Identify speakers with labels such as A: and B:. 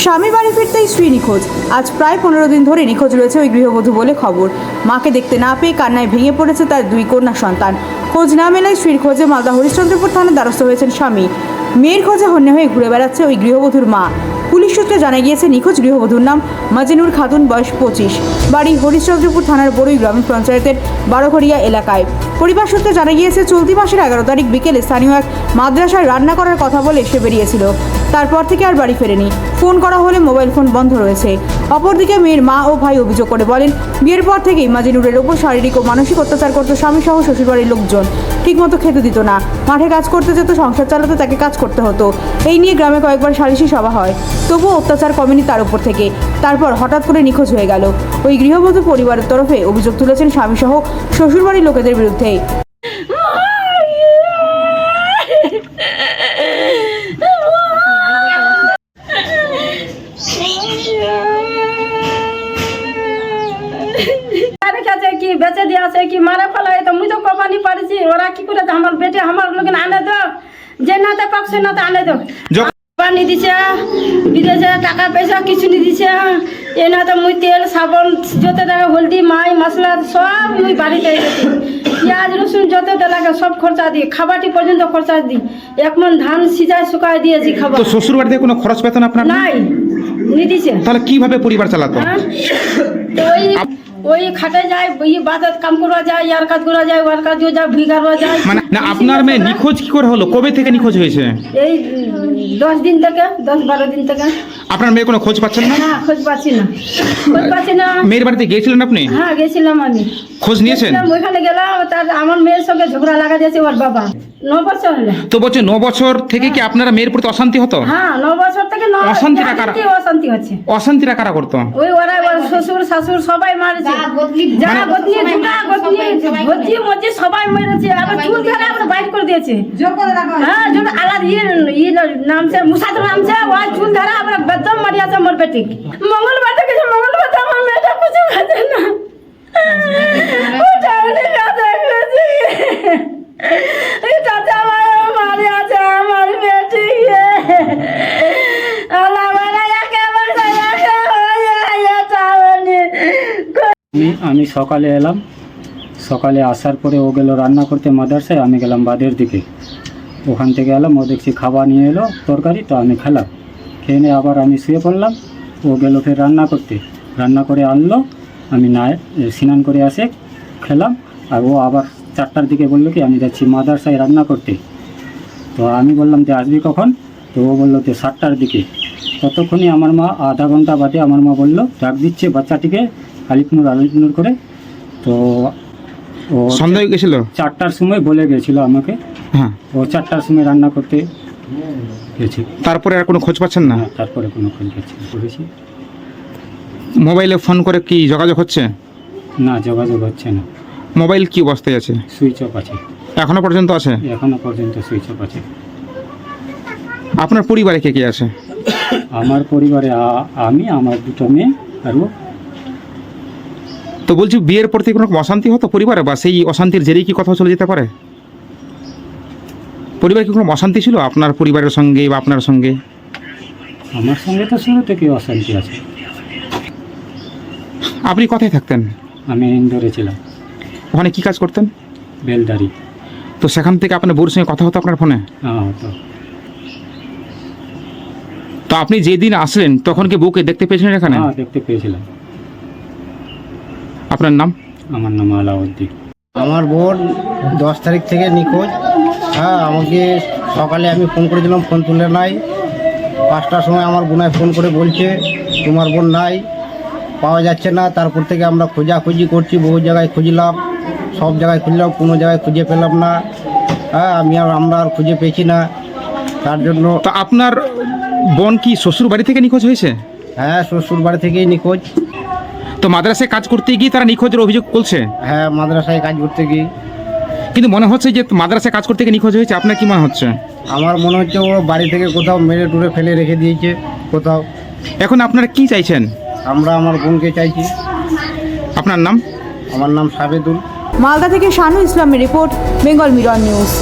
A: স্বামী বাড়ি ফিরতেই স্ত্রী নিখোঁজ। আজ প্রায় 15 দিন ধরে নিখোঁজ রয়েছে ওই গৃহবধূ বলে খবর। মাকে দেখতে না পেয়ে কান্নায় ভেঙে পড়েছে তার 2 কন্যা সন্তান। খোঁজ না মেলায় স্ত্রীর খোঁজে মালদা হরিশ্চন্দ্রপুর থানার দ্বারস্থ হয়েছেন স্বামী। মেয়ের খোঁজে হন্যে হয়ে ঘুরে বেড়াচ্ছে ওই গৃহবধূর মা। পুলিশ সূত্রে জানা গিয়েছে নিখোঁজ গৃহবধূর নাম মাজেনুর খাতুন, বয়স 25, বাড়ি হরিশ্চন্দ্রপুর থানার বড়ুই গ্রাম পঞ্চায়েতের বারোঘরিয়া এলাকায়। পরিবার সূত্রে জানা গিয়েছে চলতি মাসের 11 তারিখ বিকেলে স্থানীয় এক মাদ্রাসায় রান্না করার কথা বলে সে বেরিয়েছিল। তারপর থেকে আর বাড়ি ফেরেনি। ফোন করা হলে মোবাইল ফোন বন্ধ রয়েছে। অপরদিকে মেয়ের মা ও ভাই অভিযোগ করে বলেন, বিয়ের পর থেকেই মাজেনুরের ওপর শারীরিক ও মানসিক অত্যাচার করত স্বামী সহ শ্বশুরবাড়ির লোকজন। ঠিকমতো খেতে দিত না, মাঠে কাজ করতে যেত, সংসার চালাতে তাকে কাজ করতে হতো। এই নিয়ে গ্রামে কয়েকবার সালিশি সভা হয়, তবুও অত্যাচার কমেনি তার উপর থেকে। তারপর হঠাৎ করে নিখোঁজ হয়ে গেল। ওই গৃহবধূ পরিবারের তরফে অভিযোগ তুলেছেন স্বামী সহ শ্বশুরবাড়ির লোকেদের বিরুদ্ধে।
B: কি বেঁচে দিয়ে আছে কি মারা ফেলায় তো মুই তো কমানি পারিছি। ওরা কি করে আমার বেটে আমার লোক আনে দো, যে নাতে পাক সে নাতে আনে দো। পানি দিছে, বিদেশে টাকা পয়সা কিছু নি দিছে। এ না তো মুই তেল সাবন যত টাকা হলদি মাই মশলা সব মুই বাড়িতে এনেছি। পেঁয়াজ রসুন যত লাগে সব খরচা দিই, খাবারটি পর্যন্ত খরচা দিই। 1 মণ ধান সিজায় শুকায় দিয়েছি খাবার।
C: তো শ্বশুর বাড়িতে কোনো খরচ পেতেন আপনার?
B: নাই, নি দিছে।
C: তাহলে কিভাবে পরিবার চালাতো?
B: তো ওই খাটে যায়, ওই বাজার কাম করা যায়, ইয়ার কাজ করা যায়, ওয়ার কাজ যায়, ভিগারও যায়।
C: মানে না, আপনার মেয়ে নিখোঁজ কি করে হলো? কবে থেকে নিখোঁজ হয়েছে?
B: এই 10 দিন থেকে, 10-12 দিন থেকে।
C: আপনার মেয়ে কোনো খোঁজ পাচ্ছেন না?
B: না, খোঁজ পাচ্ছি না, খোঁজ পাচ্ছি না।
C: মেয়ের বাড়িতে গিয়েছিলেন আপনি?
B: হ্যাঁ, গেছিলাম আমি।
C: খোঁজ নিয়েছেন?
B: ওইখানে গেলাম, তার আমার মেয়ের সঙ্গে ঝগড়া লাগা দিয়েছে ওর বাবা। 9 বছর হলো।
C: তো বলছে 9 বছর থেকে কি আপনারা মেয়ের প্রতি অশান্তি হতো?
B: হ্যাঁ, 9 বছর থেকে
C: অশান্তিটা কারা?
B: অশান্তি হচ্ছে।
C: অশান্তিটা কারা করতো?
B: ওই ওরা শ্বশুর শাশুড় সবাই মারেছে। যা গতনি দুটা গতনি ভজি মজি সবাই মেরেছে। আবার চুল ধরে আবার বাইর করে দিয়েছে। হ্যাঁ, যখন আলাদ নামছে মুসাদ নামছে, ওই চুল ধরে আবার বেদম মারিয়াছে আমার বেটি। মঙ্গলবার থেকে মঙ্গলবার আমার মেয়েটা কিছু খাচ্ছে না। ওটা উনি কাজে গেছে। এই চাচা আমার মারিয়াছে আমার বেটি।
D: আমি সকালে এলাম। সকালে আসার পরে ও গেল রান্না করতে মাদ্রাসায়, আমি গেলাম বাদের দিকে। ওখান থেকে এলাম, ও দেখছি খাবার নিয়ে এলো তরকারি, তো আমি খেলাম। খেয়ে নিয়ে আবার আমি শুয়ে পড়লাম। ও গেল ফের রান্না করতে, রান্না করে আনলো। আমি না স্নান করে আসে খেলাম। আর ও আবার 4টার দিকে বললো কি আমি যাচ্ছি মাদ্রাসায় রান্না করতে। তো আমি বললাম যে আসবি কখন? তো ও বললো যে 7টার দিকে। ততক্ষণই আমার মা আধা ঘন্টা বাদে আমার মা বললো ডাক দিচ্ছে বাচ্চাটিকে আলিপুর করে। তো ও
C: সন্ধ্যা হয়ে গেছিল?
D: 4টার সময় বলে গেছিলো আমাকে।
C: হ্যাঁ,
D: ও 4টার সময় রান্না করতে গেছি।
C: তারপরে আর কোনো খোঁজ পাচ্ছেন না?
D: তারপরে কোনো খোঁজ করেছি।
C: মোবাইলে ফোন করে কি যোগাযোগ হচ্ছে?
D: না, যোগাযোগ হচ্ছে না।
C: মোবাইল কি অবস্থায় আছে?
D: সুইচ অফ আছে,
C: এখনো পর্যন্ত আছে?
D: এখনো পর্যন্ত সুইচ অফ আছে।
C: আপনার পরিবারে কে কে আছে?
D: আমার পরিবারে আমি, আমার 2টো মেয়ে আর ও।
C: তো বলছি, বিয়ের পর থেকে কোনো অশান্তি হতো পরিবারে, বা সেই অশান্তির জেরেই কি কথা চলে যেতে পারে? পরিবারে কি কোনো অশান্তি ছিল আপনার পরিবারের সঙ্গে বা আপনার সঙ্গে?
D: আমার সঙ্গে তো শুরু থেকে অশান্তি আছে।
C: আপনি কোথায় থাকতেন?
D: আমি ইন্দোরে ছিলাম।
C: ওখানে কি কাজ করতেন?
D: বেলদারি।
C: তো সেখান থেকে আপনার বউর সঙ্গে কথা হতো আপনার ফোনে?
D: হ্যাঁ, তো
C: তো আপনি যেদিন আসলেন তখন কি বউকে দেখতে পেয়েছিলেন এখানে?
D: হ্যাঁ, দেখতে পেয়েছিলাম।
C: আপনার নাম?
D: আমার নাম আলাউদ্দিন।
E: আমার বোন 10 তারিখ থেকে নিখোঁজ। হ্যাঁ, আমাকে সকালে আমি ফোন করেছিলাম, ফোন তুলে নাই। 5টার সময় আমার বোনায় ফোন করে বলছে তোমার বোন নাই, পাওয়া যাচ্ছে না। তারপর থেকে আমরা খোঁজাখুঁজি করছি, বহু জায়গায় খুঁজলাম, সব জায়গায় খুঁজলাম, কোনো জায়গায় খুঁজে পেলাম না। হ্যাঁ, আমরা আর খুঁজে পেয়েছি না। তার জন্য
C: তো আপনার বোন কি শ্বশুর বাড়ি থেকে নিখোঁজ হয়েছে?
E: হ্যাঁ, শ্বশুর বাড়ি থেকেই নিখোঁজ।
C: তো মাদ্রাসায় কাজ করতে গিয়ে তারা নিখোঁজের অভিযোগ করছে?
E: হ্যাঁ, মাদ্রাসায় কাজ করতে গিয়ে।
C: কিন্তু মনে হচ্ছে যে মাদ্রাসায় কাজ করতে গিয়ে নিখোঁজ হয়েছে। আপনার কি মনে হচ্ছে?
E: আমার মনে হচ্ছে ও বাড়ি থেকে কোথাও মেরে টুরে ফেলে রেখে দিয়েছে কোথাও।
C: এখন আপনারা কি চাইছেন?
E: আমরা আমার বোনকে চাইছি।
C: আপনার নাম?
E: আমার নাম সাবেদুল।
A: মালদা থেকে শানু ইসলামের রিপোর্ট, বেঙ্গল মিরর নিউজ।